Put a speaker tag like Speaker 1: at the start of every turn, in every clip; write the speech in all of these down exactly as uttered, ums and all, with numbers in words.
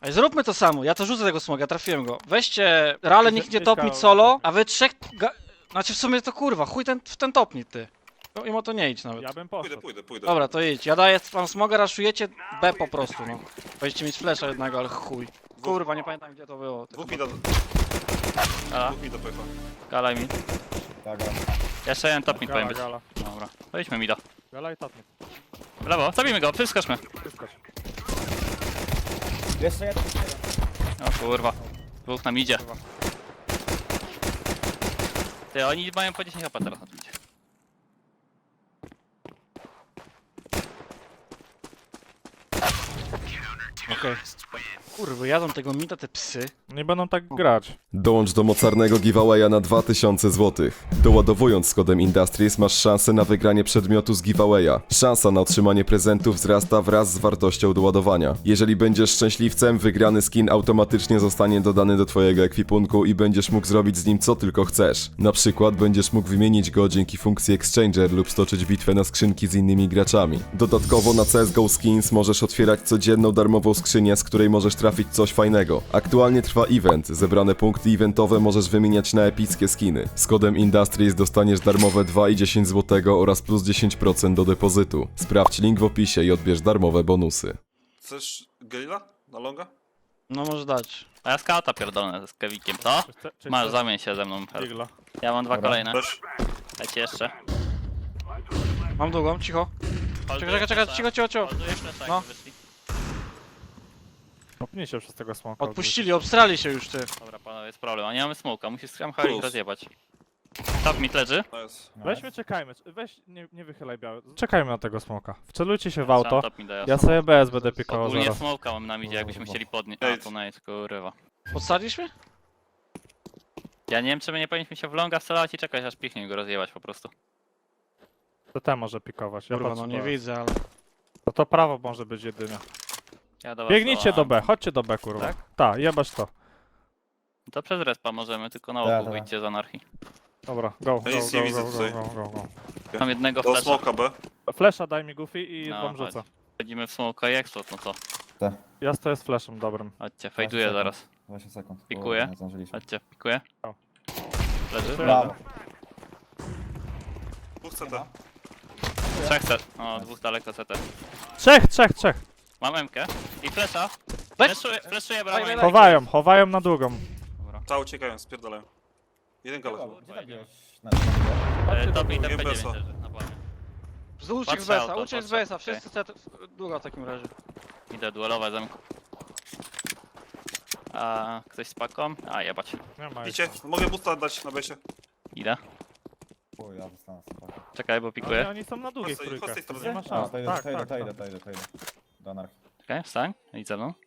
Speaker 1: Ej, zróbmy to samo, ja to rzucę tego smoga, trafiłem go. Weźcie Rale, nikt nie
Speaker 2: Ciekawe.
Speaker 1: topnić solo, a wy trzech... Ga... Znaczy w sumie to kurwa, chuj ten, w ten topnij ty. No i o to nie idź nawet.
Speaker 2: Ja bym
Speaker 3: Pójdę,
Speaker 2: poszedł.
Speaker 3: pójdę, pójdę.
Speaker 1: Dobra, to idź, ja daję wam smoga, raszujecie B po prostu, no. Będziecie mieć flesza jednego, ale chuj. Kurwa, nie pamiętam gdzie to było.
Speaker 3: Dwóch mi do...
Speaker 4: A,
Speaker 3: Dwóch mi do pojechał.
Speaker 4: gala mi.
Speaker 5: Tak, tak.
Speaker 4: Jeszcze jeden top mid powinien
Speaker 2: Gala,
Speaker 4: być.
Speaker 2: gala.
Speaker 4: Dobra, wejdźmy mi do.
Speaker 2: Gala i tatnik.
Speaker 4: W lewo, zabijmy go, wyskoczmy.
Speaker 2: Wyskocz.
Speaker 5: Jeszcze jeden.
Speaker 4: O kurwa. Dwóch nam idzie. Ty, oni mają po dziesięć H P teraz na tym idzie.
Speaker 1: Okej. Kurwa, jadą tego mida te psy.
Speaker 2: Nie będą tak grać.
Speaker 6: Dołącz do mocarnego giveawaya na dwa tysiące złotych. Doładowując z kodem Industries masz szansę na wygranie przedmiotu z giveawaya. Szansa na otrzymanie prezentów wzrasta wraz z wartością doładowania. Jeżeli będziesz szczęśliwcem, wygrany skin automatycznie zostanie dodany do twojego ekwipunku i będziesz mógł zrobić z nim co tylko chcesz. Na przykład będziesz mógł wymienić go dzięki funkcji Exchanger lub stoczyć bitwę na skrzynki z innymi graczami. Dodatkowo na C S G O Skins możesz otwierać codzienną darmową skrzynię, z której możesz trafić coś fajnego. Aktualnie trwa event, zebrane punkty eventowe możesz wymieniać na epickie skiny. Z kodem Industries dostaniesz darmowe dwa i dziesięć złotego oraz plus dziesięć procent do depozytu. Sprawdź link w opisie i odbierz darmowe bonusy.
Speaker 3: Chcesz Gelila? Na longa?
Speaker 1: No może dać.
Speaker 4: A ja skauta pierdolę z Kewikiem, co?
Speaker 2: Czyste- czyste-
Speaker 4: Masz, zamień się ze mną.
Speaker 2: Digla.
Speaker 4: Ja mam dwa
Speaker 5: Dobra.
Speaker 4: kolejne.
Speaker 3: Też.
Speaker 4: Dajcie jeszcze.
Speaker 1: Mam długą, cicho. Czekaj, czekaj, czekaj, cicho, cicho, cicho.
Speaker 4: Holduję flesza,
Speaker 1: No.
Speaker 4: jak wyszli.
Speaker 2: Popnij się przez tego smoka.
Speaker 1: Odpuścili, obstrali się już ty.
Speaker 4: Dobra, panowie, jest problem. A nie mamy smoka, musisz skramchać
Speaker 3: Plus.
Speaker 4: rozjebać. Top mid leży.
Speaker 3: To jest.
Speaker 2: Weźmy, czekajmy. Weź, nie, nie wychylaj biały. Czekajmy na tego smoka. Wcelujcie się w
Speaker 4: Trzymam
Speaker 2: auto.
Speaker 4: top mida,
Speaker 2: Ja sobie B S będę pikował
Speaker 4: Ogólnie
Speaker 2: zaraz.
Speaker 4: smoka mam na midzie, jakbyśmy chcieli podnieść. A, to nice, kurwa.
Speaker 1: Podstaliśmy?
Speaker 4: Ja nie wiem, czy my nie powinniśmy się w longa strzelać i czekać, aż pichnie go rozjebać po prostu.
Speaker 2: To ten może pikować. Ja
Speaker 1: Kurwa,
Speaker 2: patrzę
Speaker 1: no nie
Speaker 2: B.
Speaker 1: widzę, ale...
Speaker 2: To, to prawo może być jedynie.
Speaker 4: Ja do was
Speaker 2: Biegnijcie do
Speaker 4: dołam.
Speaker 2: B, chodźcie do B kurwa.
Speaker 4: Tak?
Speaker 2: Tak, jebać to.
Speaker 4: To przez respa możemy, tylko na
Speaker 5: Tak,
Speaker 4: łoku
Speaker 5: tak.
Speaker 4: wyjdźcie z anarchii.
Speaker 2: Dobra, go, go,
Speaker 3: Ja nic nie
Speaker 2: go,
Speaker 3: widzę
Speaker 2: go, go,
Speaker 3: tutaj.
Speaker 2: go, go, go.
Speaker 4: Mam jednego
Speaker 3: Do
Speaker 4: flesza.
Speaker 3: smoka B.
Speaker 2: Flesza daj mi Goofy i
Speaker 4: No,
Speaker 2: wam
Speaker 4: chodź.
Speaker 2: rzucę.
Speaker 4: Wchodzimy w smoka i explode, no co?
Speaker 2: Ja stoję z flashem dobrym.
Speaker 4: Chodźcie, fejduję
Speaker 5: sekund.
Speaker 4: zaraz.
Speaker 5: dwadzieścia sekund. bo
Speaker 4: Pikuję.
Speaker 5: Nie zdążyliśmy.
Speaker 4: Chodźcie, pikuję.
Speaker 2: O.
Speaker 4: Leży?
Speaker 5: Brawo.
Speaker 3: Dwóch C T.
Speaker 4: Trzech set. O, dwóch daleko C T.
Speaker 2: Trzech, trzech, trzech.
Speaker 4: Mam M-kę i flesza.
Speaker 1: Weź!
Speaker 4: Fleszuję, fleszuję
Speaker 1: Daj, daj,
Speaker 4: bramę.
Speaker 1: daj.
Speaker 2: Chowają, chowają na długą.
Speaker 4: Dobra.
Speaker 3: Ta uciekają, spierdalają. Jeden gala.
Speaker 5: Gdzie zabiłeś? Na
Speaker 4: E, Top i
Speaker 3: Drugie
Speaker 4: T P
Speaker 3: besa.
Speaker 4: dziewięć leży na planie.
Speaker 1: Uciek z
Speaker 4: Patrzę
Speaker 1: B S-a,
Speaker 4: auto,
Speaker 1: uciek z
Speaker 4: patrzę,
Speaker 1: B S-a,
Speaker 4: okej.
Speaker 1: wszyscy set... Długo w takim razie.
Speaker 4: Idę duelować zamku. A ktoś z paką? A jebać.
Speaker 2: Nie ma
Speaker 3: Idzie, mogę busta dać na besie.
Speaker 4: Idę.
Speaker 5: Chuj, ja zostanę sobie.
Speaker 4: Czekaj, bo
Speaker 2: Oni,
Speaker 4: pikuję.
Speaker 2: oni są na długiej
Speaker 3: Chodź z tej-
Speaker 2: trójkę.
Speaker 3: chodź z tej strony.
Speaker 2: Nie ma
Speaker 5: A,
Speaker 2: szans.
Speaker 5: to idę,
Speaker 2: Tak,
Speaker 5: to idę,
Speaker 2: tak,
Speaker 5: to idę,
Speaker 2: tak.
Speaker 5: to idę, to idę. Do anarchii.
Speaker 4: Czekaj, wstań. Idź ze mną.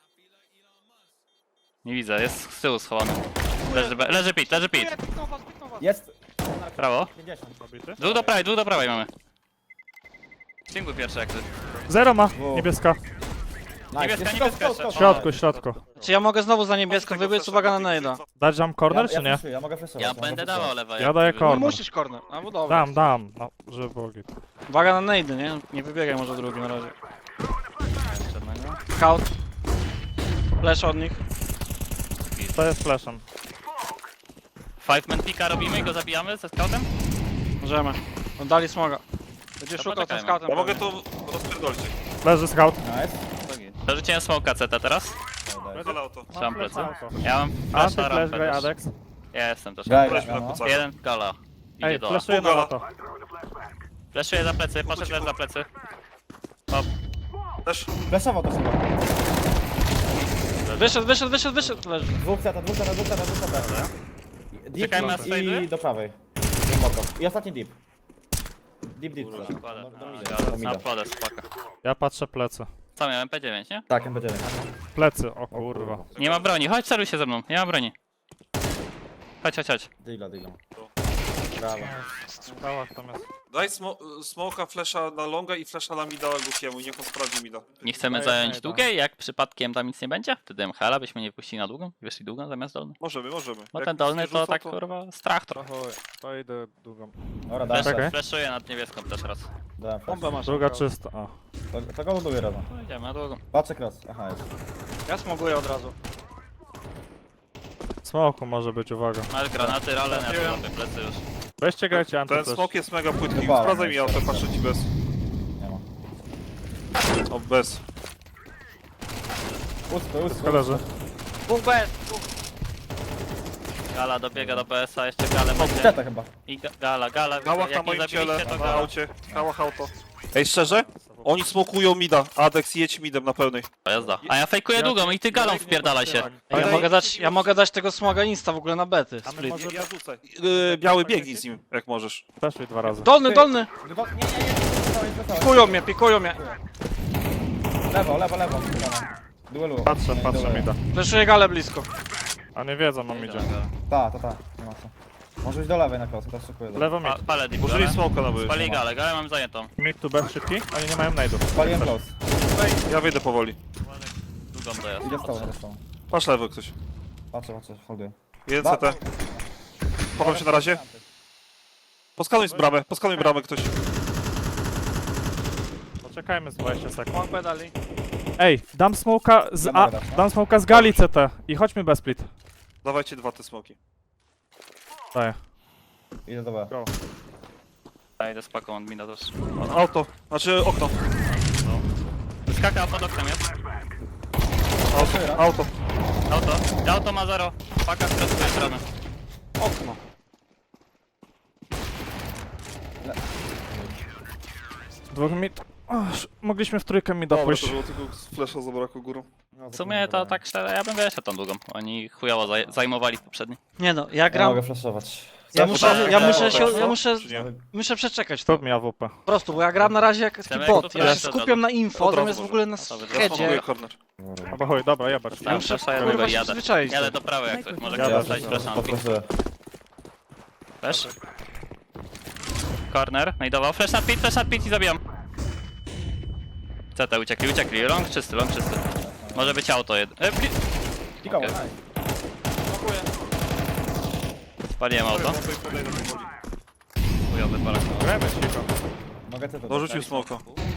Speaker 4: Nie widzę, jest z tyłu schowany. Leży, be- leży pit, leży pit.
Speaker 1: Piknął was, piknął was.
Speaker 5: Jest!
Speaker 4: Prawo.
Speaker 5: pięćdziesiąt.
Speaker 2: Zabity.
Speaker 4: Dwóch do prawej, dwóch do prawej mamy. Single pierwszy jak ty.
Speaker 2: Zero ma,
Speaker 5: Dwóch.
Speaker 2: niebieska.
Speaker 5: Nice.
Speaker 4: Niebieska,
Speaker 5: Jest
Speaker 4: niebieska
Speaker 5: skok, skok,
Speaker 4: jeszcze.
Speaker 2: W
Speaker 5: skok.
Speaker 2: środku, w środku.
Speaker 1: Czy ja mogę znowu za niebieską
Speaker 3: Tego
Speaker 1: wybiec,
Speaker 3: flasha
Speaker 1: uwaga na
Speaker 3: do
Speaker 1: nejda.
Speaker 3: Pixie,
Speaker 2: Dać jam corner
Speaker 5: Ja,
Speaker 2: czy
Speaker 5: ja
Speaker 2: nie?
Speaker 5: flashuję, ja mogę flashować.
Speaker 4: Ja
Speaker 5: mogę
Speaker 4: będę
Speaker 5: flashować.
Speaker 4: dawał lewe.
Speaker 2: Ja
Speaker 4: jak
Speaker 2: daję
Speaker 4: ty
Speaker 1: No
Speaker 2: corner.
Speaker 1: musisz corner, a bo dobra.
Speaker 2: Dam, dam. No, żeby było git.
Speaker 1: Uwaga na nejdy, nie? Nie wybiegaj może drugi na razie.
Speaker 4: wyjdziesz żadnego.
Speaker 1: Scout. Flash od nich.
Speaker 2: To jest flashem.
Speaker 4: Five man pika robimy i go zabijamy ze scoutem?
Speaker 1: Możemy. Oddali smoga. Będzie
Speaker 4: To
Speaker 1: szukał tym
Speaker 4: poczekajmy.
Speaker 1: scoutem.
Speaker 3: Ja mogę
Speaker 1: pewnie.
Speaker 3: to rozpierdolić.
Speaker 2: Leży scout.
Speaker 5: Nice.
Speaker 4: Przerzuciłem smoka C T teraz.
Speaker 5: Daj, daj.
Speaker 3: Gala auto.
Speaker 4: Trzymam
Speaker 2: flash
Speaker 4: plecy.
Speaker 2: auto.
Speaker 4: Ja mam
Speaker 2: Anty
Speaker 4: flasha
Speaker 2: flash
Speaker 4: rampę
Speaker 2: graj
Speaker 4: też.
Speaker 2: Adex.
Speaker 4: Ja jestem też.
Speaker 5: Graj,
Speaker 3: Weźmy
Speaker 5: no.
Speaker 3: na plecach.
Speaker 4: Jeden gala. Idzie
Speaker 2: Ej,
Speaker 4: do A.
Speaker 2: flashuję na
Speaker 3: Gala.
Speaker 2: auto.
Speaker 4: Flashuję za plecy, poszedł leż za plecy. Hop.
Speaker 3: Też.
Speaker 5: Flashował to chyba.
Speaker 1: Wyszedł, wyszedł, wyszedł, wyszedł. Leży.
Speaker 5: Dwóch seta, dwóch seta, dwóch seta, dwóch seta. Deep
Speaker 4: Czekajmy na
Speaker 5: i
Speaker 4: slajdy.
Speaker 5: do prawej. Głęboko. I ostatni deep. Deep, deep.
Speaker 3: Kurwa.
Speaker 5: flash.
Speaker 4: Kładę.
Speaker 5: Do- do
Speaker 4: A,
Speaker 5: mida,
Speaker 4: gala.
Speaker 5: do mida.
Speaker 4: Na podę, spaka.
Speaker 2: Ja patrzę plecy.
Speaker 4: Co miałem? P dziewięć, nie?
Speaker 5: Tak, M P dziewięć.
Speaker 2: Plecy, o kurwa.
Speaker 4: Nie ma broni, chodź celuj się ze mną, nie ma broni. Chodź, chodź, chodź.
Speaker 5: Digla, digla. Brawo.
Speaker 2: W skałach tam jest.
Speaker 3: Daj smo smoka, flasha na longa i flasha na mida Goofiemu, niech on sprawdzi mida.
Speaker 4: Nie chcemy
Speaker 2: Daję,
Speaker 4: zająć
Speaker 2: daję,
Speaker 4: długiej, jak przypadkiem tam nic nie będzie? Wtedy M H L-a byśmy nie puścili na długą i wyszli długą zamiast dolny.
Speaker 3: Możemy, możemy.
Speaker 4: No
Speaker 3: Jak
Speaker 4: ten dolny
Speaker 3: nie
Speaker 4: to
Speaker 3: rzucą,
Speaker 4: tak kurwa strach trochę.
Speaker 2: To chuj, to idę długą.
Speaker 5: Dobra, dałem
Speaker 4: Flash,
Speaker 2: Czekaj.
Speaker 5: flash.
Speaker 4: flashuję nad niebieską też raz.
Speaker 5: Dałem flash.
Speaker 1: Bombę masz.
Speaker 2: Druga czysta. O.
Speaker 5: To, to go buduję razem.
Speaker 4: No idziemy na długą.
Speaker 5: Patrzę cross. Aha, jest.
Speaker 1: Ja smoguję od razu.
Speaker 2: Smoku może być, uwaga.
Speaker 4: Masz granaty, rale, ja tu plecy już.
Speaker 2: Weźcie grajcie anty
Speaker 3: Ten
Speaker 2: też.
Speaker 3: smok jest mega płytki.
Speaker 5: Chyba,
Speaker 3: Sprawdzaj mi
Speaker 5: no,
Speaker 3: auto, patrzę ci bez.
Speaker 5: Nie ma.
Speaker 3: O, bez.
Speaker 5: Uspy, uspy.
Speaker 2: Koleży.
Speaker 1: Dwóch B S, dwóch.
Speaker 4: Gala dobiega do B S-a, jeszcze galę będzie.
Speaker 5: Kwiata chyba.
Speaker 4: I ga gala, gala,
Speaker 3: Kałach na
Speaker 4: jak nie
Speaker 3: moim ciele,
Speaker 4: zabiliście to
Speaker 3: na
Speaker 4: gala.
Speaker 3: aucie. Kałach auto. Ej, szczerze? Oni smokują mida. Adeks, jedź midem na pełnej.
Speaker 4: O, jazda. A ja fejkuję długą i ty galą wpierdalaj się.
Speaker 1: Ja
Speaker 3: Ej,
Speaker 1: mogę dać, ja mogę dać tego smoga insta w ogóle na bety.
Speaker 2: A my
Speaker 1: Split.
Speaker 2: może-
Speaker 3: Ja rzucę. Yy, biały biegnij z nim, jak możesz.
Speaker 2: Weszli dwa razy.
Speaker 1: Dolny, dolny!
Speaker 5: Dwa- Nie, nie, nie, nie, nie, nie,
Speaker 1: Pikują mnie, pikują mnie.
Speaker 5: Lewo, lewo, lewo. Duelu.
Speaker 2: Patrzę,
Speaker 5: Nie,
Speaker 2: patrzę
Speaker 5: duelu.
Speaker 2: mi da.
Speaker 1: Fleszuję galę blisko.
Speaker 2: A nie wiedzą, mam idzie.
Speaker 5: Ta, ta, ta. Nie ma co. Może iść do lewej na klos, też szykuję.
Speaker 2: Lewo mid.
Speaker 4: Pa, palę deep
Speaker 3: Użyli
Speaker 4: galę.
Speaker 3: smoka na byś.
Speaker 4: Spali galę, galę mam zajętą.
Speaker 2: Mid to B szybki, oni nie mają nade'ów.
Speaker 5: Spaliłem close.
Speaker 3: Ja wyjdę powoli.
Speaker 4: Długą dojazd.
Speaker 5: Idzie z tobą, idzie z tobą.
Speaker 3: Patrz lewo ktoś.
Speaker 5: Patrzę, patrzę, holduję.
Speaker 3: Jeden
Speaker 5: Ba-
Speaker 3: C T. Chowam się na razie. Poskanuj z bramę, poskanuj bramę ktoś.
Speaker 2: Poczekajmy z dwadzieścia sekund.
Speaker 1: Smok B dali.
Speaker 2: Ej, dam smoka z
Speaker 5: Ja
Speaker 2: A,
Speaker 5: mogę dać, no.
Speaker 2: dam smoka z gali C T i chodźmy bez split.
Speaker 3: Dawajcie dwa te smoki.
Speaker 2: Daję.
Speaker 5: Idę do B.
Speaker 4: Ja idę z paką od mina też.
Speaker 3: Auto, znaczy okno.
Speaker 4: Skaka pod oknem jest.
Speaker 3: Auto, auto.
Speaker 4: Auto. Auto ma zero. Paka z tej strony.
Speaker 1: Okno.
Speaker 2: Dwóch mid. O, sz- mogliśmy w trójkę mida
Speaker 3: Dobra,
Speaker 2: pójść.
Speaker 3: to było tylko flesza zabrakło górą.
Speaker 4: W sumie to tak szczerze, ja bym wyszedł tą długą. Oni chujowo zaj zajmowali w poprzedni.
Speaker 1: Nie no, ja
Speaker 5: Ja
Speaker 1: gram.
Speaker 5: mogę flashować.
Speaker 1: Ja
Speaker 3: Co,
Speaker 1: muszę,
Speaker 3: tak,
Speaker 1: ja
Speaker 3: tak,
Speaker 1: muszę
Speaker 3: tak,
Speaker 1: się,
Speaker 3: tak,
Speaker 1: ja muszę,
Speaker 3: czy nie?
Speaker 1: muszę przeczekać to.
Speaker 2: Stop mi A W P.
Speaker 1: Po prostu, bo ja gram na razie jak taki
Speaker 4: Chcemy
Speaker 1: bot.
Speaker 4: jak
Speaker 1: Ja
Speaker 4: to
Speaker 1: się
Speaker 4: flash
Speaker 1: skupiam na info,
Speaker 3: Od razu
Speaker 1: zamiast w
Speaker 3: może.
Speaker 1: ogóle na
Speaker 4: No to
Speaker 3: Ja smokuję
Speaker 1: headzie.
Speaker 3: corner.
Speaker 2: Albo chuj, dobra, jebać.
Speaker 4: Tam
Speaker 1: muszę,
Speaker 4: flesza
Speaker 1: kurwa,
Speaker 4: jednego i
Speaker 1: się
Speaker 4: jadę.
Speaker 1: przyzwyczaić.
Speaker 4: Jadę do prawej jak coś. Może
Speaker 2: Ja
Speaker 4: ktoś
Speaker 2: też,
Speaker 4: dostać flesza na ping.
Speaker 5: Poproszę.
Speaker 4: Flash. Corner, najdował. Flash na pit, flash na pit i zabijam. C T uciekli, uciekli. Long czysty, long czysty. Może być auto jedno. E, pli-
Speaker 5: Kikowo,
Speaker 4: Okej.
Speaker 5: nice.
Speaker 4: Spaliłem auto. Chujowy palak.
Speaker 2: Grajmy cicho.
Speaker 5: Mogę ty to
Speaker 3: Dorzucił smoka.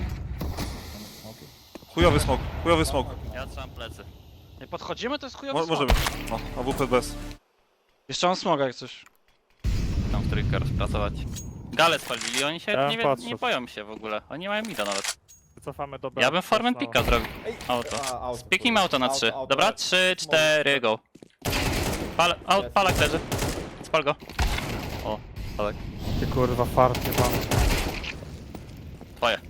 Speaker 3: Chujowy smok, chujowy smok.
Speaker 4: Ja trzymam plecy.
Speaker 1: Nie podchodzimy, to jest chujowy
Speaker 3: Mo
Speaker 1: smok.
Speaker 3: możemy. No, A W P bez.
Speaker 1: Jeszcze mam smoga jak coś.
Speaker 4: Tam w trójkę rozpracować. Gale spalili, oni się
Speaker 2: Ja
Speaker 4: nie, wie,
Speaker 2: patrzę.
Speaker 4: nie boją się w ogóle. Oni mają mida nawet.
Speaker 2: Cofamy do B.
Speaker 4: Ja bym formę
Speaker 2: No.
Speaker 4: pika zrobił.
Speaker 5: Ej,
Speaker 4: Auto.
Speaker 5: a, auto.
Speaker 4: Piknijmy auto na
Speaker 5: Auto,
Speaker 4: trzy.
Speaker 5: auto.
Speaker 4: Dobra? trzy, cztery, go. Pal, aut, palak leży. Spal go. O, palak.
Speaker 2: Ty kurwa fart, nie pan.
Speaker 4: Twoje.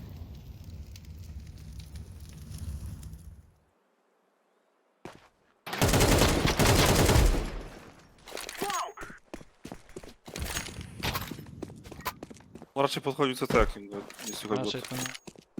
Speaker 3: No raczej podchodził C T, jak nie, nie słychać go.
Speaker 1: Raczej to nie.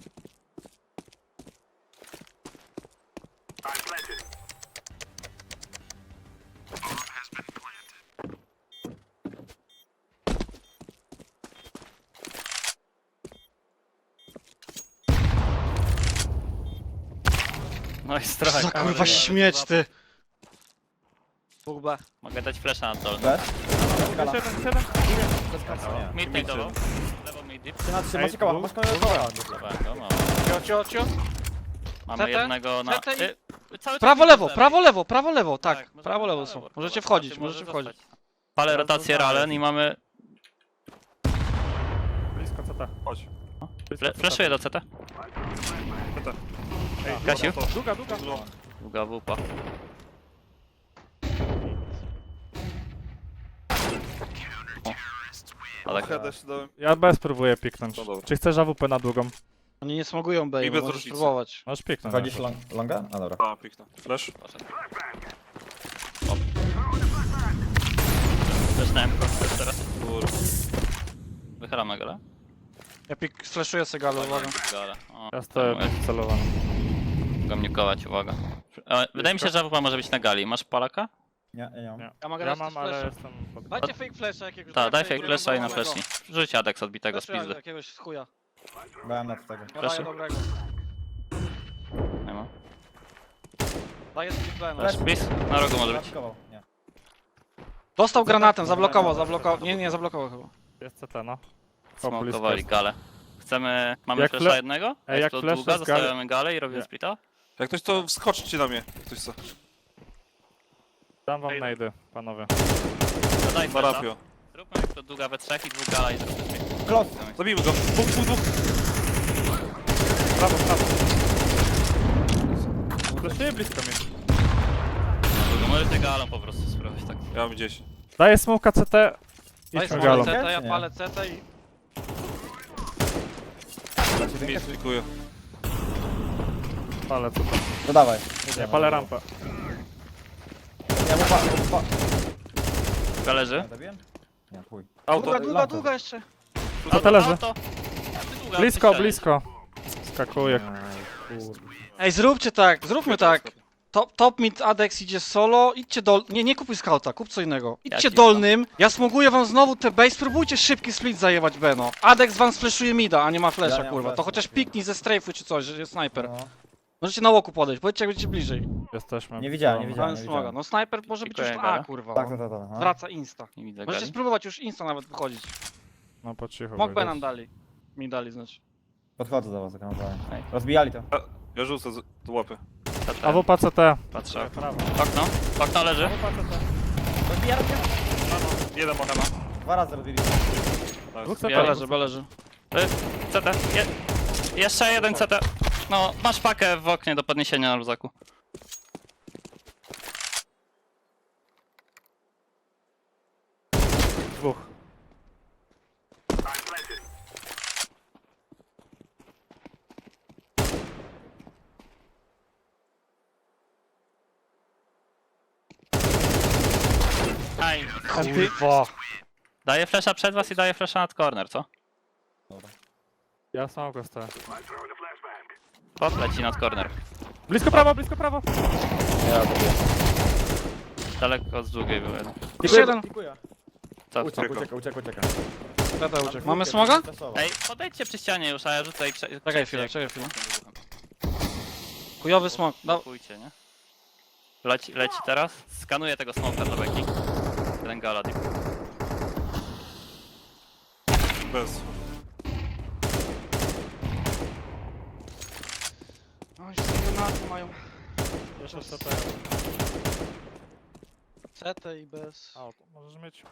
Speaker 4: No i
Speaker 1: Co
Speaker 4: strach.
Speaker 1: za kurwa śmieć ty. Dwóch B.
Speaker 4: Mogę dać flesza na dole.
Speaker 5: Bez? Gala.
Speaker 2: siedem, siedem.
Speaker 5: Bez kasy, nie.
Speaker 4: Mid najdował. Lewo mid deep.
Speaker 5: Trzy na trzy,
Speaker 2: Ej,
Speaker 5: macie koła,
Speaker 2: dwóch.
Speaker 5: masz koła, koła.
Speaker 4: Dobra, go mamy.
Speaker 1: Cio, cio, cio.
Speaker 4: Mamy
Speaker 1: C T?
Speaker 4: jednego na...
Speaker 1: C T i-
Speaker 4: Y, cały czas
Speaker 1: Prawo,
Speaker 4: mid
Speaker 1: lewo,
Speaker 4: z
Speaker 1: prawo, lewo, prawo, lewo, tak.
Speaker 4: możemy
Speaker 1: Prawo,
Speaker 4: na
Speaker 1: lewo są.
Speaker 4: lewo.
Speaker 1: Możecie
Speaker 4: Dobra,
Speaker 1: wchodzić,
Speaker 4: może
Speaker 1: możecie wchodzić.
Speaker 4: zostać. Palę
Speaker 2: Teraz
Speaker 4: rotację
Speaker 2: zostawię.
Speaker 4: Ralen i mamy...
Speaker 2: Blisko C T.
Speaker 3: Chodź.
Speaker 2: Blisko
Speaker 4: Fle
Speaker 2: C T.
Speaker 4: fleszuję do C T.
Speaker 3: C T.
Speaker 2: Ej,
Speaker 4: Kasiu?
Speaker 2: Długa, długa.
Speaker 4: Długa wupa. O. Ale
Speaker 3: Headę się dałem.
Speaker 2: Ja B spróbuję piknąć.
Speaker 3: No dobra.
Speaker 2: Czy chcesz A W P na długą?
Speaker 1: Oni nie smogują B,
Speaker 3: I
Speaker 1: bo
Speaker 3: bez
Speaker 1: możesz
Speaker 3: różnicy.
Speaker 1: spróbować.
Speaker 2: Możesz piknąć.
Speaker 5: Wchodzisz long, longa? A dobra.
Speaker 3: A, piknę. Flash.
Speaker 4: Zaczynałem kogoś teraz.
Speaker 3: Kurwa.
Speaker 4: Wychylamy go,
Speaker 1: Ja pik flashuję Segalu, uwaga.
Speaker 4: Gale. O,
Speaker 2: Ja stoję celowany.
Speaker 4: Mogę mnikować, uwaga. E, Wydaje mi się, że A W P może być na gali. Masz palaka?
Speaker 5: Nie, nie, nie mam.
Speaker 2: Nie.
Speaker 1: Ja mogę
Speaker 2: Ja
Speaker 1: dać
Speaker 2: mam,
Speaker 1: też
Speaker 2: ale
Speaker 1: flasha.
Speaker 2: jestem pod...
Speaker 1: Dajcie fake flasha jakiegoś.
Speaker 4: Tak, daj
Speaker 1: flasha
Speaker 4: fake flasha i na
Speaker 1: dobrego.
Speaker 4: flash. Rzuć Adex odbitego z
Speaker 1: Flasha
Speaker 4: pizdy.
Speaker 1: jakiegoś z chuja.
Speaker 5: Brałem na tego.
Speaker 1: Ja
Speaker 4: Flashy?
Speaker 1: daję dobrego.
Speaker 4: Nie ma.
Speaker 1: Daję split B. no.
Speaker 5: Flash.
Speaker 4: Bis? Na rogu może być.
Speaker 5: Zapikował, nie.
Speaker 1: Dostał granatem, zablokował, zablokował. Nie, nie, zablokował chyba.
Speaker 2: Jest C T, no. O,
Speaker 4: Smokowali
Speaker 2: blisko jest.
Speaker 4: galę. Chcemy... Mamy
Speaker 2: Jak
Speaker 4: flasha
Speaker 2: fle-
Speaker 4: jednego?
Speaker 2: Ej, jak
Speaker 4: to
Speaker 2: flash
Speaker 4: długa,
Speaker 2: z gali-
Speaker 4: zostawiamy galę i robimy
Speaker 2: Nie.
Speaker 4: splita?
Speaker 3: Jak ktoś to wskoczcie na mnie. Jak ktoś co.
Speaker 2: Dam wam najdy, panowie.
Speaker 4: Dodaj
Speaker 3: Na
Speaker 4: flesza.
Speaker 3: rapio.
Speaker 4: Zróbmy to długa we trzech i dwóch gala i zróbmy śmiech.
Speaker 5: Close.
Speaker 3: Zabijmy go. Dwóch, dwóch, dwóch.
Speaker 2: Prawo, prawo. Fleszuję blisko mi.
Speaker 4: Długo, możecie galą po prostu spróbować tak.
Speaker 3: Ja mam gdzieś.
Speaker 2: Daję smoka C T.
Speaker 1: Daj
Speaker 2: Idźmy
Speaker 1: smoke
Speaker 2: galą.
Speaker 1: C T, ja
Speaker 5: Nie.
Speaker 1: palę C T i...
Speaker 5: Dacie
Speaker 3: Mi
Speaker 5: rękę?
Speaker 3: spikuję.
Speaker 2: Palę C T.
Speaker 5: To dawaj.
Speaker 2: Nie, palę rampę.
Speaker 5: Ja mu pa, mu pa.
Speaker 4: Gależy.
Speaker 5: Zabiłem? Nie, chuj.
Speaker 3: Auto.
Speaker 1: Długa, długa,
Speaker 5: lampę.
Speaker 1: długa jeszcze.
Speaker 2: Co to leży?
Speaker 4: Auto. Długa,
Speaker 2: Blisko,
Speaker 4: strzelić.
Speaker 2: blisko. Skakuje.
Speaker 1: Ej, zróbcie tak, zróbmy tak. Top, top mid Adex idzie solo, idźcie dol... Nie, nie kupuj scouta, kup co innego. Idźcie
Speaker 4: ci
Speaker 1: dolnym, ja smoguję wam znowu te base, spróbujcie szybki split zajebać Beno. Adex wam sfleszuje mida, a nie ma
Speaker 5: Ja
Speaker 1: flesza,
Speaker 5: nie mam
Speaker 1: kurwa. To
Speaker 5: flasha,
Speaker 1: chociaż
Speaker 5: nie.
Speaker 1: piknij ze strafe'u czy coś, że jest snajper.
Speaker 5: No.
Speaker 1: Możecie na łoku podejść, powiedzcie jak będziecie bliżej.
Speaker 2: Jesteśmy.
Speaker 5: Nie widziałem, nie
Speaker 2: Dobra.
Speaker 5: widziałem.
Speaker 1: Mamy smoga. No snajper może być już
Speaker 4: Pikuję
Speaker 1: A,
Speaker 4: gala.
Speaker 1: kurwa.
Speaker 5: Tak,
Speaker 1: no.
Speaker 5: tak, tak. tak, no.
Speaker 1: Wraca insta.
Speaker 4: Nie widzę
Speaker 1: Możecie
Speaker 4: gali.
Speaker 1: spróbować już insta nawet wychodzić.
Speaker 2: No po cichu.
Speaker 1: Smok B
Speaker 2: wyjdę.
Speaker 1: nam dali. Mi dali znaczy.
Speaker 5: Podchodzę do was, tak naprawdę.
Speaker 4: Ej.
Speaker 5: Rozbijali to.
Speaker 3: Ja rzucę z- do łapy.
Speaker 4: Patrzę.
Speaker 2: A W P C T.
Speaker 4: Patrzę.
Speaker 2: Prawo.
Speaker 4: Okno. Okno leży.
Speaker 5: Rozbija, rozbija.
Speaker 3: Jeden ma.
Speaker 5: Dwa razy rozbili.
Speaker 2: Dwóch C
Speaker 4: Ja
Speaker 2: T.
Speaker 1: B leży, B leży.
Speaker 4: Y, C T. Je... Jeszcze jeden C T. No, masz pakę w oknie do podniesienia na luzaku.
Speaker 2: Dwóch.
Speaker 4: Aj,
Speaker 2: Kurwa.
Speaker 4: daję flesza przed was i daję flesza nad corner, co?
Speaker 2: Ja sam go stoję.
Speaker 4: Pot leci nad corner.
Speaker 2: Blisko prawo, blisko prawo.
Speaker 5: Ja zabiję.
Speaker 4: Daleko z długiej był jeden.
Speaker 1: Jeszcze jeden.
Speaker 5: Pikuję.
Speaker 4: Co?
Speaker 5: Uciekł, uciekł, uciekł, uciekł.
Speaker 1: C T uciekł. Mamy smoga?
Speaker 4: Ej, podejdźcie przy ścianie już, a ja rzucę i prze...
Speaker 1: Czekaj chwilę, czekaj chwilę. Chujowy smok. No,
Speaker 4: Blokujcie, nie? Leci, leci teraz. Skanuję tego smoka do beki. Jeden gala deep.
Speaker 3: Bez.
Speaker 1: Oj, sobie granaty mają.
Speaker 2: Jeszcze C T.
Speaker 1: C T i bez.
Speaker 2: A, to możesz mieć.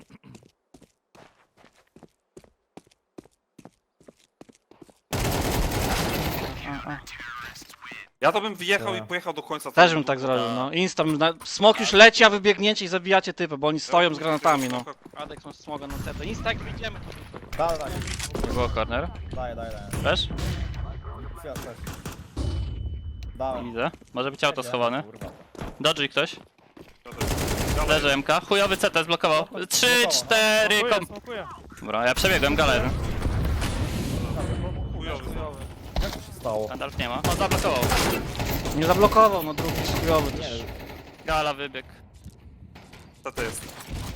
Speaker 1: A, a.
Speaker 3: Ja to bym wyjechał i
Speaker 5: Tak.
Speaker 3: pojechał do końca.
Speaker 1: Też bym tak zrobił, no. Insta, bym na... smok już leci, a wy biegniecie i zabijacie typy, bo oni stoją z granatami, no. Adex ma smoga na C T. Insta, jak wyjdziemy, to...
Speaker 5: Daj, daj,
Speaker 4: Nie było corner.
Speaker 5: daj, daj, daj.
Speaker 4: Też?
Speaker 5: Świat też.
Speaker 4: Nie
Speaker 5: Dałem.
Speaker 4: widzę. Może być auto schowane.
Speaker 5: Kurwa.
Speaker 4: Dodży ktoś. Leży M K. Chujowy C T zblokował. Trzy, cztery,
Speaker 2: Smokuję,
Speaker 4: kom...
Speaker 2: smokuję.
Speaker 4: Dobra, ja przebiegłem galę jeden.
Speaker 3: Chujowy.
Speaker 5: Jak to się stało?
Speaker 4: Gandalf nie ma. On zablokował.
Speaker 1: Nie zablokował, no drugi jest chujowy też.
Speaker 4: Gala wybieg.
Speaker 3: Co to jest?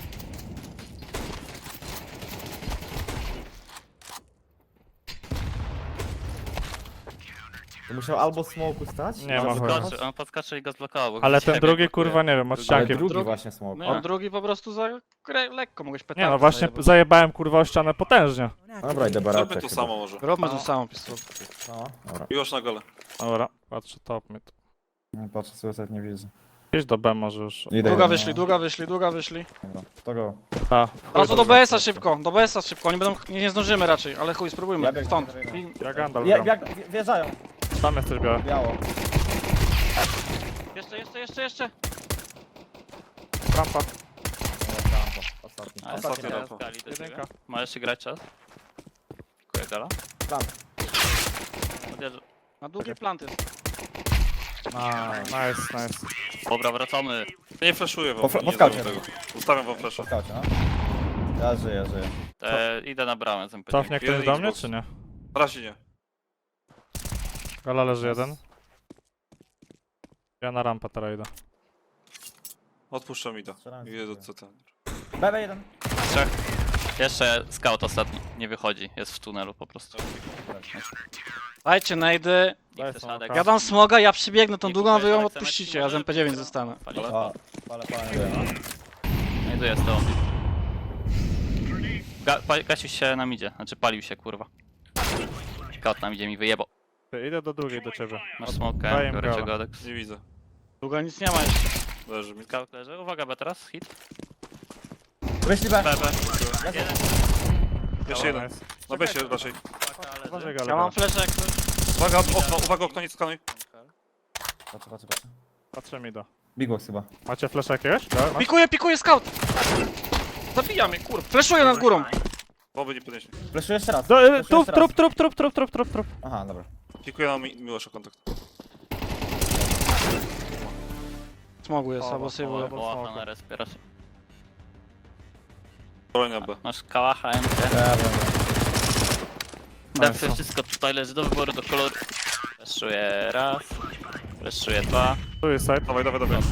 Speaker 5: To musiał albo smoku stać?
Speaker 2: Nie
Speaker 5: albo
Speaker 2: ma chuja.
Speaker 5: zakończyć.
Speaker 4: Podskoczył, on podskoczył i go zblokował. bo
Speaker 2: Ale
Speaker 4: ciebie
Speaker 2: ten drugi
Speaker 4: blokuje.
Speaker 2: kurwa nie wiem, od
Speaker 5: Ale
Speaker 2: ścianki.
Speaker 5: drugi
Speaker 1: Drugi.
Speaker 5: właśnie smok.
Speaker 1: On drugi po prostu za grę, lekko mogłeś petardę
Speaker 2: Nie no, właśnie
Speaker 1: zajebać.
Speaker 2: zajebałem kurwa o ścianę potężnie.
Speaker 5: Dobra, idę baratek.
Speaker 3: Zróbmy to samo może.
Speaker 1: Róbmy to samo, pistolet.
Speaker 5: No, dobra.
Speaker 3: Już na gole.
Speaker 2: Dobra, patrzę top mid.
Speaker 5: Nie patrzę, suicide nie widzę.
Speaker 2: Idź do B może już.
Speaker 5: Idę,
Speaker 1: Długa
Speaker 5: idę,
Speaker 1: wyszli,
Speaker 5: no.
Speaker 1: długa wyszli, długa wyszli.
Speaker 5: Dobra, to go.
Speaker 2: A,
Speaker 1: Teraz do B S-a szybko, do B S-a szybko, oni będą, nie, nie zdążymy raczej, ale chuj, spróbujmy,
Speaker 5: Ja biegnę,
Speaker 1: stąd.
Speaker 5: ja biegnę.
Speaker 1: I-
Speaker 2: ja Gandalf
Speaker 5: Je,
Speaker 2: gram.
Speaker 5: jak, wje- wjeżdżają.
Speaker 2: Tam jesteś biorę.
Speaker 5: Biało.
Speaker 1: Jeszcze, jeszcze, jeszcze, jeszcze.
Speaker 2: Rampa.
Speaker 5: Ostatni.
Speaker 4: Ale
Speaker 3: Ostatni
Speaker 4: teraz
Speaker 3: rampa.
Speaker 4: gali do ciebie.
Speaker 2: Jedynka.
Speaker 4: Możesz się grać czas. Dziękuję gala.
Speaker 5: Tam.
Speaker 4: Odjeżdżę.
Speaker 1: Na długi plant jest.
Speaker 2: A, nice, nice.
Speaker 4: Dobra, wracamy.
Speaker 3: Nie flashuję wam.
Speaker 5: Po fla-
Speaker 3: nie
Speaker 5: po skaucie.
Speaker 3: zrobię tego. Ustawiam wam flasha.
Speaker 5: Skaucie, no. Ja żyję, żyję.
Speaker 4: E, idę na bramę z M P.
Speaker 2: Cofnie ktoś
Speaker 3: Jeden
Speaker 2: do mnie,
Speaker 3: Xbox.
Speaker 2: czy nie?
Speaker 3: Na razie nie.
Speaker 2: Gala leży jeden. Ja na rampę teraz idę.
Speaker 3: Odpuszczam ida.
Speaker 5: Strzelam
Speaker 3: Idę do
Speaker 5: sobie.
Speaker 3: C T.
Speaker 5: B B jeden.
Speaker 4: Trzech. Jeszcze scout ostatni. Nie wychodzi. Jest w tunelu po prostu.
Speaker 1: Dajcie najdy.
Speaker 4: Nie
Speaker 2: Daj
Speaker 4: chcesz
Speaker 2: smoka.
Speaker 4: Adek.
Speaker 1: Ja dam smoga, ja przybiegnę tą
Speaker 4: Nie
Speaker 1: długą, a wy
Speaker 4: kupujesz
Speaker 1: ją
Speaker 4: Aleksa
Speaker 1: odpuścicie,
Speaker 4: Messi,
Speaker 1: ja z
Speaker 4: może
Speaker 1: M P dziewięć
Speaker 4: dopiero
Speaker 1: zostanę.
Speaker 4: palić.
Speaker 5: A, palę, palę, nie wiem.
Speaker 4: Znajduję z tobą. Ga pa Gasiuś się nam idzie. Znaczy palił się kurwa. Scout nam idzie mi wyjebał.
Speaker 2: Ty, idę do drugiej do ciebie.
Speaker 4: Masz smokę,
Speaker 2: Daję im
Speaker 4: biorę cię
Speaker 2: gala.
Speaker 4: Godex.
Speaker 3: Nie widzę.
Speaker 1: Długo nic nie ma jeszcze.
Speaker 3: Leży mi.
Speaker 4: Scout leży, uwaga B teraz, hit.
Speaker 5: Wyszli B.
Speaker 4: B, B.
Speaker 3: Jeszcze jeden.
Speaker 2: Nice.
Speaker 3: Na besie raczej.
Speaker 2: Uważaj gale.
Speaker 1: Ja mam flesze jak ktoś.
Speaker 3: Uwaga, okno, uwaga, okno, nie skanuj.
Speaker 5: Patrzę, patrzę, patrzę.
Speaker 2: Patrzę mi do.
Speaker 5: Big box chyba.
Speaker 2: Macie flash jakiegoś? Da, masz?
Speaker 1: Pikuje, pikuje scout! Zabija mnie, kurwa. Fleszuję nad górą.
Speaker 3: Boby nie podniesie.
Speaker 5: Fleszuję jeszcze raz.
Speaker 2: Do,
Speaker 5: Fleszuję
Speaker 2: y, trup,
Speaker 5: jeszcze raz.
Speaker 2: trup, trup, trup, trup, trup, trup, trup.
Speaker 5: Aha, dobra.
Speaker 3: Pikuję na mi Miłosza kontakt.
Speaker 1: Smogu jest,
Speaker 2: O,
Speaker 1: albo
Speaker 2: o,
Speaker 1: sejwuję.
Speaker 2: o.
Speaker 4: Łacha na respie raczej.
Speaker 3: Bronia B.
Speaker 4: Masz kałacha, M K.
Speaker 5: Ja wiem.
Speaker 4: Defy, wszystko tutaj leży do wyboru, do koloru. Fleszuję raz. Fleszuję dwa.
Speaker 2: Tu jest side.
Speaker 3: Dawaj, dawaj, dawaj.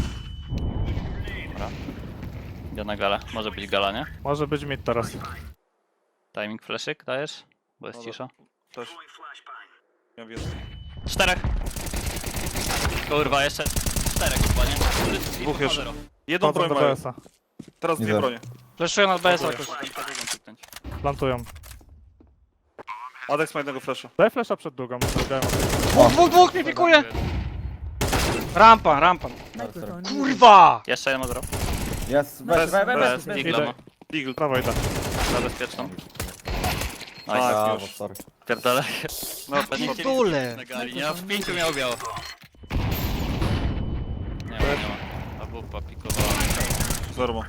Speaker 4: Idę na galę. Może być gala, nie?
Speaker 2: Może być mid teraz.
Speaker 4: Timing fleszyk dajesz? Bo jest
Speaker 3: Dobra.
Speaker 4: cisza.
Speaker 3: Też. Ja wiem.
Speaker 4: Czterech. Kurwa, jeszcze czterech chyba, nie?
Speaker 3: Dwóch jeszcze. Jedną
Speaker 2: Chodzą
Speaker 3: broń
Speaker 2: do
Speaker 3: mają.
Speaker 2: B S a.
Speaker 3: Teraz dwie
Speaker 5: Widzę.
Speaker 3: bronie.
Speaker 1: Fleszuję nad B S jakoś.
Speaker 2: Plantują.
Speaker 3: Adex ma jednego flasha.
Speaker 2: Daj flasha przed długą. Zrobiłem.
Speaker 1: Dwóch, dwóch, dwóch mnie pikuje! Rampa, rampa.
Speaker 5: Dobra,
Speaker 1: Kurwa!
Speaker 4: Jeszcze jeden ma zero.
Speaker 5: Jest,
Speaker 3: Bez-
Speaker 5: bez, bez, bez,
Speaker 4: Bez,
Speaker 5: bez.
Speaker 4: digla ma.
Speaker 3: Eagle.
Speaker 2: Prawo idę.
Speaker 4: Za bezpieczną.
Speaker 3: Tak,
Speaker 4: Nice.
Speaker 5: Brawo,
Speaker 3: już.
Speaker 5: sorry.
Speaker 4: Pierdolę.
Speaker 3: No,
Speaker 4: Pewnie cię
Speaker 1: Dole.
Speaker 4: na gali, nie? W pięciu miał biało. Nie ma, nie ma. A wupa pikowała.
Speaker 3: zero.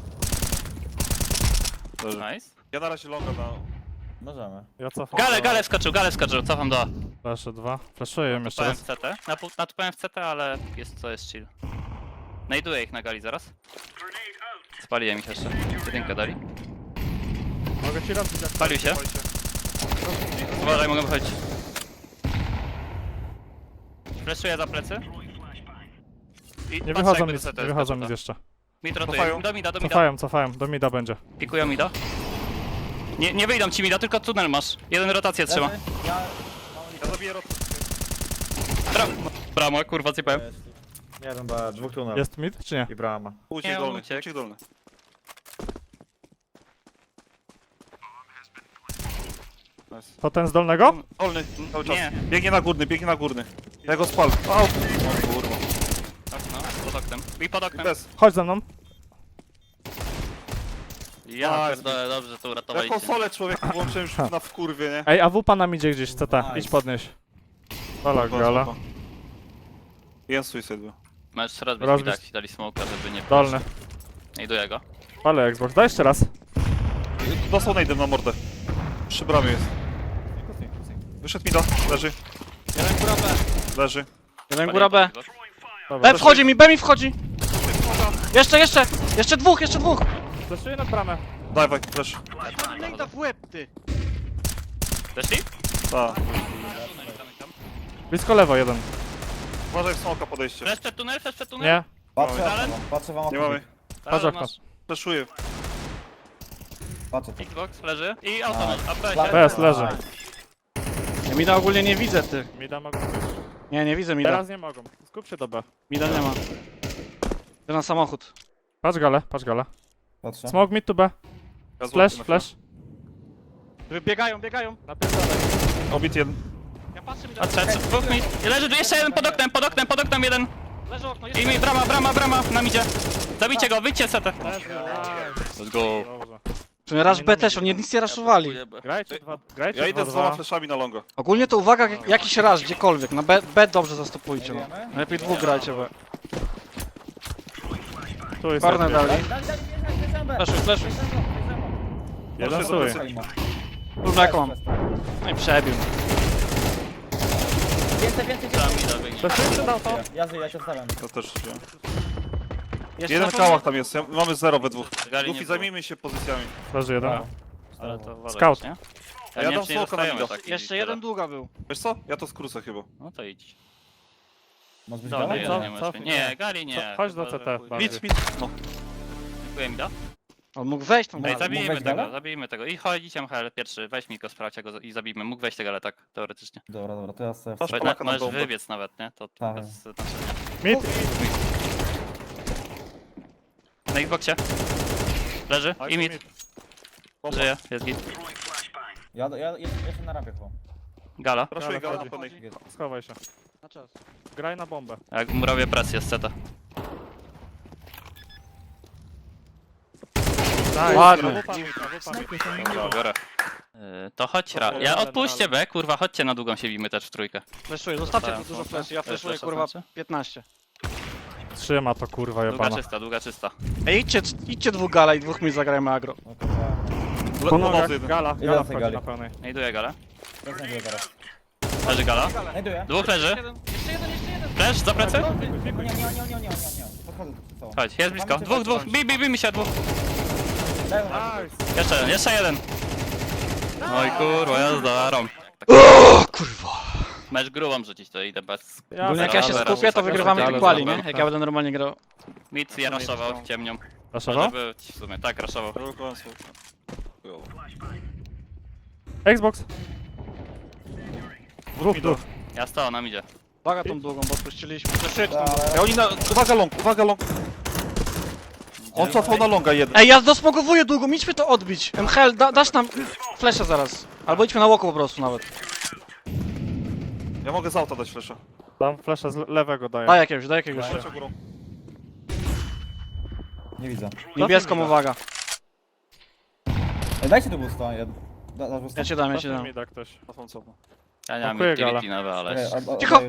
Speaker 3: Leży.
Speaker 4: Nice.
Speaker 3: Ja na razie longa na...
Speaker 5: Możemy.
Speaker 2: Ja cofam.
Speaker 4: Gale, gale wskoczył, gale wskoczył, cofam do A.
Speaker 2: Flasze dwa. Flaszuję ją jeszcze
Speaker 4: Natupałem
Speaker 2: raz.
Speaker 4: w C T. Napu- Natupałem w C T, ale jest co jest chill. Znajduję ich na gali zaraz. Spaliłem ich jeszcze. Jedynkę dali.
Speaker 2: Mogę ci robić jak
Speaker 4: Spalił się. Uważaj, mogę wychodzić. Fleszuję za plecy. I
Speaker 2: Nie
Speaker 4: patrzę
Speaker 2: wychodzą
Speaker 4: jakby
Speaker 2: mi,
Speaker 4: do C T
Speaker 2: nie wychodzą
Speaker 4: wskoczył,
Speaker 2: mi jeszcze.
Speaker 4: tak. Mid rotuje.
Speaker 3: Cofają.
Speaker 4: Do mida, do mida.
Speaker 2: Cofają, cofają. Do mida będzie.
Speaker 4: Pikują mida. Nie, nie wyjdą ci mida, tylko tunel masz. Jeden rotację trzyma.
Speaker 5: Leży. Ja...
Speaker 3: Ja zabiję rot.
Speaker 4: Bra bramo, kurwa, cypałem.
Speaker 5: Jeden B, dwóch tunel.
Speaker 2: Jest mid czy nie?
Speaker 5: I brama.
Speaker 3: Uciek
Speaker 4: Nie,
Speaker 3: dolny,
Speaker 4: uciekł.
Speaker 3: uciek dolny. Nice.
Speaker 2: To ten z dolnego?
Speaker 3: Dolny, cały czas.
Speaker 4: Nie.
Speaker 3: Biegnie na górny, biegnie na górny. Ja go spal. Au! O kurwa.
Speaker 4: Okno, pod oknem. I pod
Speaker 3: I
Speaker 4: oknem.
Speaker 3: bez.
Speaker 2: Chodź ze mną.
Speaker 4: Ja
Speaker 3: Nice.
Speaker 4: pierdolę, dobrze to
Speaker 3: Ja
Speaker 4: uratowaliście.
Speaker 3: konsolę człowieku włączyłem już na wkurwie, nie?
Speaker 2: Ej, a w pana idzie gdzieś, C T.
Speaker 5: Nice.
Speaker 2: Idź podnieś. Gala,
Speaker 3: Spoko,
Speaker 2: gala.
Speaker 3: spoko. Jest suicide był.
Speaker 4: Możesz rozbić
Speaker 2: Rozbić.
Speaker 4: mida, jak ci dali smoka, żeby nie...
Speaker 2: Dolny.
Speaker 4: Znajduję go.
Speaker 2: Ale Xbox. Daj jeszcze raz.
Speaker 3: Dostał najdem na mordę. Przy bramie jest. Wyszedł mi do. Leży.
Speaker 1: Jeden góra B.
Speaker 3: Leży.
Speaker 1: Jeden góra B.
Speaker 2: Dobra.
Speaker 1: B wchodzi mi, B mi wchodzi! Jeszcze, jeszcze! Jeszcze dwóch, jeszcze dwóch!
Speaker 2: Flaszuję nad bramę.
Speaker 3: Dawaj, flash.
Speaker 1: Nejda w łeb, ty!
Speaker 4: Weszli?
Speaker 3: Ta.
Speaker 2: Blisko lewo jeden.
Speaker 3: Uważaj w smoka podejście.
Speaker 4: Flash przed tunel, flash przed tunel?
Speaker 2: Nie.
Speaker 5: Patrzę
Speaker 4: Dalen?
Speaker 5: wam, patrzę wam
Speaker 3: Nie
Speaker 5: okno.
Speaker 3: mamy.
Speaker 2: Patrz
Speaker 4: Ale
Speaker 2: okno.
Speaker 4: masz
Speaker 3: Flashuję.
Speaker 5: Patrzę tu.
Speaker 4: Xbox, leży. I auto masz, A P
Speaker 5: Fla-
Speaker 4: się.
Speaker 2: Bez, leży.
Speaker 1: Ja mida ogólnie nie widzę, ty.
Speaker 2: Mida mogą być.
Speaker 1: Nie, nie widzę mida.
Speaker 2: Teraz nie mogą. Skup się do B.
Speaker 1: Mida nie ma. Idę na samochód.
Speaker 2: Patrz galę, patrz galę.
Speaker 5: Patrzę.
Speaker 2: Smoke mid to B.
Speaker 3: Ja
Speaker 2: Flash,
Speaker 3: złapię na
Speaker 2: flash.
Speaker 1: Biegają, biegają.
Speaker 2: Napierdalaj.
Speaker 3: chwilę. Obit jeden.
Speaker 1: Ja patrzę mida.
Speaker 4: A trzeci, dwóch mi. I leży tu jeszcze jeden pod oknem, pod oknem, pod oknem jeden.
Speaker 1: Leży okno,
Speaker 4: I
Speaker 1: jeszcze.
Speaker 4: mi, brama, brama, brama, nam idzie. Zabijcie go, wyjdźcie setę. Let's go.
Speaker 2: Dobrze.
Speaker 1: Czy Rush B też, oni nic nie raszowali.
Speaker 2: Grajcie dwa, grajcie
Speaker 3: Ja idę
Speaker 2: dwa,
Speaker 3: z dwoma
Speaker 2: dwa.
Speaker 3: flashami na longa.
Speaker 1: Ogólnie to uwaga, jak- jakiś rush, gdziekolwiek. Na B, B dobrze zastopujcie, no. Lepiej dwóch grajcie, bo...
Speaker 2: Tu jest
Speaker 1: Korner
Speaker 2: jeden.
Speaker 1: dali.
Speaker 5: Dali, dali, bierzemy, bierzemy.
Speaker 1: Flashuj, flashuj.
Speaker 2: Jeden
Speaker 3: Proszę,
Speaker 2: stój.
Speaker 3: zobaczyć.
Speaker 1: Kurwa, jak mam. No i przebił.
Speaker 5: Więcej, więcej,
Speaker 4: Tam
Speaker 5: więcej.
Speaker 4: mi da wyjść.
Speaker 2: Flashuję czy dał to?
Speaker 5: Ja żyję, ja cię stawiam.
Speaker 3: To też wziąłem.
Speaker 1: Jeszcze
Speaker 3: Jeden
Speaker 1: na
Speaker 3: w kałach tam jest. Ja- Mamy zero we dwóch.
Speaker 4: Gali nie
Speaker 3: Luffy,
Speaker 4: było.
Speaker 3: zajmijmy się pozycjami.
Speaker 2: Leży jeden.
Speaker 4: Ale to uważaj,
Speaker 2: Scout.
Speaker 4: nie?
Speaker 3: A ja
Speaker 4: Ja nie
Speaker 3: dam
Speaker 4: wiem, czy nie
Speaker 3: smoka na
Speaker 4: dostajemy
Speaker 3: mida.
Speaker 4: takich
Speaker 1: Jeszcze
Speaker 4: tyle.
Speaker 1: jeden długa był.
Speaker 3: Wiesz co? Ja to skrócę chyba.
Speaker 4: No to idź.
Speaker 5: Może być
Speaker 4: Dobra,
Speaker 5: gala?
Speaker 4: jeden
Speaker 2: co?
Speaker 4: nie
Speaker 2: Co?
Speaker 4: masz. Nie, gali nie.
Speaker 2: Chodź do
Speaker 4: Chyba,
Speaker 2: C T,
Speaker 4: że chuj.
Speaker 2: bardziej.
Speaker 3: Mit, mit. No.
Speaker 4: Dziękuję mi da.
Speaker 1: On mógł wejść tam.
Speaker 5: Ej,
Speaker 4: Ej,
Speaker 5: Mógł
Speaker 4: zabijmy
Speaker 5: wejść
Speaker 4: tego,
Speaker 5: gala?
Speaker 4: zabijmy tego. I chodź, M H L pierwszy, weź mi go, sprawdź go i zabijmy. Mógł wejść tego, ale tak, teoretycznie.
Speaker 5: Dobra, dobra, to ja sobie...
Speaker 3: Masz
Speaker 4: Chodź,
Speaker 3: Polaka na
Speaker 4: możesz
Speaker 3: bombę.
Speaker 4: wybiec nawet, nie? To
Speaker 5: Tak.
Speaker 4: bez znaczenia.
Speaker 2: Mid.
Speaker 4: Na Xboxie. Leży.
Speaker 3: Tak,
Speaker 4: I mid.
Speaker 3: Bomba.
Speaker 4: Żyje, jest git.
Speaker 5: Ja, ja, ja, jestem na rampie chyba.
Speaker 4: Gala.
Speaker 3: Raszuję
Speaker 2: Gala
Speaker 3: gala na
Speaker 2: wchodzi.
Speaker 3: pełnej.
Speaker 2: Schowaj się.
Speaker 1: Na czas.
Speaker 2: Graj na bombę.
Speaker 4: Jak mu robię presję z ceta.
Speaker 1: Ładnie.
Speaker 2: A wupa mi, a wupa mi.
Speaker 4: Dobra, biorę. Yy, to chodź ra. Ja odpuśćcie B, kurwa, chodźcie na długą się bijmy też w trójkę.
Speaker 1: Fleszuję, zostawcie
Speaker 4: Dostałem
Speaker 1: tu dużo
Speaker 4: smoka.
Speaker 1: fleszy, ja
Speaker 4: Też
Speaker 1: fleszuję
Speaker 4: flasha
Speaker 1: kurwa
Speaker 4: znaczy?
Speaker 1: piętnaście.
Speaker 2: Trzyma to kurwa
Speaker 4: Długa
Speaker 2: jebana.
Speaker 4: czysta, długa czysta.
Speaker 1: Ej, idźcie, idźcie dwóch gala i dwóch mi zagrajmy agro.
Speaker 5: No to ja.
Speaker 3: Le-
Speaker 2: Po
Speaker 3: Pomocy
Speaker 2: nogach,
Speaker 3: jeden.
Speaker 2: gala,
Speaker 5: Jeden
Speaker 2: gala
Speaker 5: z tej
Speaker 2: wchodzi
Speaker 5: gali.
Speaker 2: na pełnej.
Speaker 4: Znajduję galę.
Speaker 5: Ja znajduję zaraz.
Speaker 4: Leży gala.
Speaker 5: Znajduję.
Speaker 4: Dwóch leży.
Speaker 1: Jeszcze jeden, jeszcze jeden.
Speaker 4: Flash za plecy?
Speaker 5: No nie, nie, nie, nie, nie, nie, nie, nie. Podchodzę tu całą.
Speaker 4: Chodź, jest blisko. Dwóch, dwóch. Bij, bij, bij mi się, dwóch.
Speaker 5: Dają
Speaker 2: Nice.
Speaker 4: Jeszcze jeden, jeszcze jeden. Oj kurwa, jazda, rąk.
Speaker 1: O kurwa.
Speaker 4: Mecz grubą rzucić, to idę bez...
Speaker 2: Ja
Speaker 1: Ogólnie jak ja się
Speaker 4: Dobra,
Speaker 1: skupię, to
Speaker 4: dobra,
Speaker 1: wygrywamy
Speaker 4: dobra,
Speaker 1: tych quali,
Speaker 4: dobra.
Speaker 1: nie? Jak ja będę normalnie grał.
Speaker 4: Mit je raszował ciemnią. Może
Speaker 2: Raszował?
Speaker 4: być w sumie, tak, raszował.
Speaker 3: Blokowałem smoka. Chujowo.
Speaker 2: Xbox. Dwóch,
Speaker 3: Idą.
Speaker 2: dwóch.
Speaker 4: Ja stał, nam idzie.
Speaker 1: Uwaga tą długą, bo spuściliśmy. Fleszuję tą
Speaker 5: Dobra.
Speaker 1: długą.
Speaker 3: Ej, oni na... Uwaga long, uwaga long. On cofał na longa jeden.
Speaker 1: Ej, ja dosmogowuję długą, idźmy to odbić. M H L, da, dasz nam fleszę zaraz. Albo idźmy na łoku po prostu nawet.
Speaker 3: Ja mogę z auta dać flesza.
Speaker 2: Tam flasha z le- lewego daję.
Speaker 1: Daj jakiegoś, daj jakiegoś.
Speaker 3: Leciał górą.
Speaker 5: Nie widzę.
Speaker 1: Niebieską uwaga.
Speaker 5: Ej, dajcie tu boosta. Ja, da, dasz boosta?
Speaker 1: Ja cię dam, ja cię
Speaker 2: Cofnij
Speaker 1: dam.
Speaker 2: mi da ktoś.
Speaker 3: Cofam, cofam.
Speaker 4: Ja nie mam
Speaker 2: Dziękuję,
Speaker 4: utility
Speaker 2: gala.
Speaker 4: nowe, ale...
Speaker 5: Okej, a- a-
Speaker 1: Cicho!
Speaker 5: daję-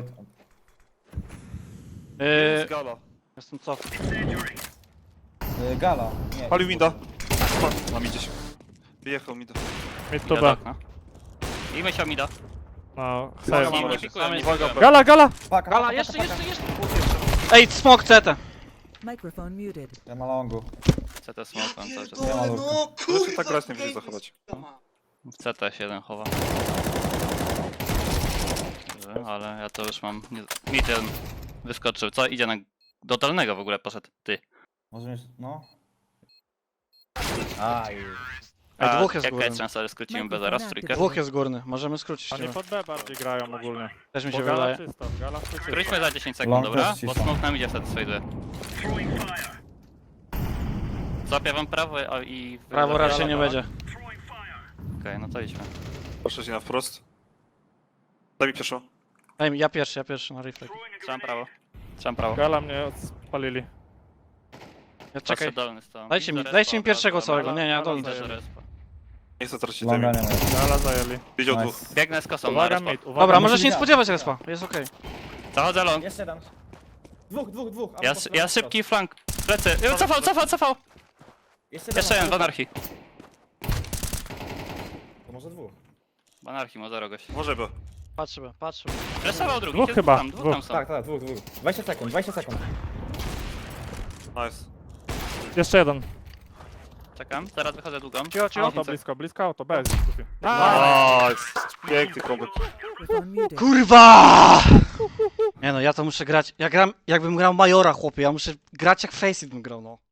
Speaker 1: Yy,
Speaker 3: Jest gala.
Speaker 1: jestem cof.
Speaker 5: Y, Gala. Nie.
Speaker 3: Palił Minda. Na midzie się. Wyjechał Minda.
Speaker 2: Mid to
Speaker 4: Idę do
Speaker 2: B.
Speaker 4: okna. Bijmy się mida.
Speaker 2: No,
Speaker 3: Uwaga,
Speaker 2: save.
Speaker 4: Nie,
Speaker 3: mam
Speaker 4: nie
Speaker 3: razie.
Speaker 4: pikuję, nie
Speaker 3: Uwaga,
Speaker 4: pikuję.
Speaker 2: Gala, gala!
Speaker 5: Paka, paka,
Speaker 1: Gala,
Speaker 5: paka,
Speaker 1: jeszcze,
Speaker 5: paka.
Speaker 1: jeszcze, jeszcze. Ej, smok C T.
Speaker 7: Microphone muted.
Speaker 5: Ja na longu.
Speaker 4: C T smoke mam cały czas.
Speaker 5: Ja na longu.
Speaker 3: Zresztą tak grać nie będzie zachować.
Speaker 4: W C T się jeden chowa. Dobrze, ale ja to już mam... Nie... Mit jeden wyskoczył. Co? Idzie na... Do dolnego w ogóle poszedł. Ty.
Speaker 5: Może mieć, no. Aj.
Speaker 1: Ej,
Speaker 4: A
Speaker 1: dwóch jest
Speaker 4: jak
Speaker 1: górny.
Speaker 4: jest szansa, że skrócimy B zaraz w trójkę?
Speaker 1: Dwóch jest górny, możemy skrócić.
Speaker 2: Oni
Speaker 1: Nie?
Speaker 2: pod B bardziej grają ogólnie.
Speaker 1: Też mi
Speaker 2: Bo
Speaker 1: się
Speaker 2: gala
Speaker 1: wydaje.
Speaker 2: czysto, gala czysto.
Speaker 4: Skróćmy za dziesięć sekund,
Speaker 5: Long
Speaker 4: dobra?
Speaker 5: też
Speaker 4: Bo
Speaker 5: cisza.
Speaker 4: smoke nam idzie wtedy slajduje. Złapię wam prawo a- i...
Speaker 1: Prawo raczej nie
Speaker 2: gala.
Speaker 1: będzie.
Speaker 4: Okej, no to idźmy.
Speaker 3: Proszę się na wprost. Daj mi pieszo.
Speaker 1: Daj mi, ja pierwszy, ja pierwszy na reflect.
Speaker 4: Trzymam prawo. Trzymam prawo.
Speaker 2: Gala mnie spalili.
Speaker 1: Ja
Speaker 4: Czekaj.
Speaker 1: czekaj.
Speaker 4: dolny stąd.
Speaker 1: Dajcie mi-
Speaker 4: Widzę
Speaker 1: dajcie mi
Speaker 4: respa,
Speaker 1: pierwszego
Speaker 4: od razu,
Speaker 1: całego.
Speaker 4: dobra.
Speaker 1: Nie, nie, ja
Speaker 2: Gala
Speaker 1: dolny
Speaker 2: zajęli.
Speaker 4: Też
Speaker 1: daję.
Speaker 4: respa.
Speaker 3: Nie chcę tracić
Speaker 5: Longa
Speaker 3: tego.
Speaker 5: nie ma.
Speaker 2: Gala zajęli.
Speaker 3: Widział
Speaker 5: Nice.
Speaker 3: dwóch.
Speaker 4: Biegnę z kosą na
Speaker 2: Uwaga
Speaker 4: respa.
Speaker 2: mid, uwaga.
Speaker 1: Dobra,
Speaker 5: musi
Speaker 1: możesz nie
Speaker 5: dać.
Speaker 1: spodziewać respa, jest okej.
Speaker 4: Zachodzę long.
Speaker 5: Jeszcze jeden. Dwóch, dwóch, dwóch.
Speaker 4: Ja,
Speaker 5: Albo
Speaker 4: ja
Speaker 5: po-
Speaker 4: szybki flank. Plecy. Y, Cofał, cofał, cofał.
Speaker 5: Jeszcze
Speaker 4: Jeszcze jeden w
Speaker 5: albo-
Speaker 4: anarchii.
Speaker 5: To może dwóch.
Speaker 4: W anarchii ma zero gość.
Speaker 3: Może by.
Speaker 1: Patrzymy, patrzymy.
Speaker 4: Freshował drugi.
Speaker 2: Dwóch
Speaker 4: jest
Speaker 2: chyba,
Speaker 4: Tam, dwóch
Speaker 2: dwóch.
Speaker 4: tam są.
Speaker 5: Tak, tak, dwóch, dwóch. dwadzieścia sekund, dwadzieścia sekund.
Speaker 3: Nice.
Speaker 2: Jeszcze jeden.
Speaker 4: Czekam, zaraz wychodzę długą.
Speaker 1: Cicho, cicho.
Speaker 2: Auto blisko, blisko auto, B jest kupi.
Speaker 3: Nice. Piękny kombek.
Speaker 7: Microphone muted.
Speaker 1: Kurwa! Nie no, ja to muszę grać. Ja gram, jakbym grał Majora, chłopie. Ja muszę grać jak Faceit bym grał, no.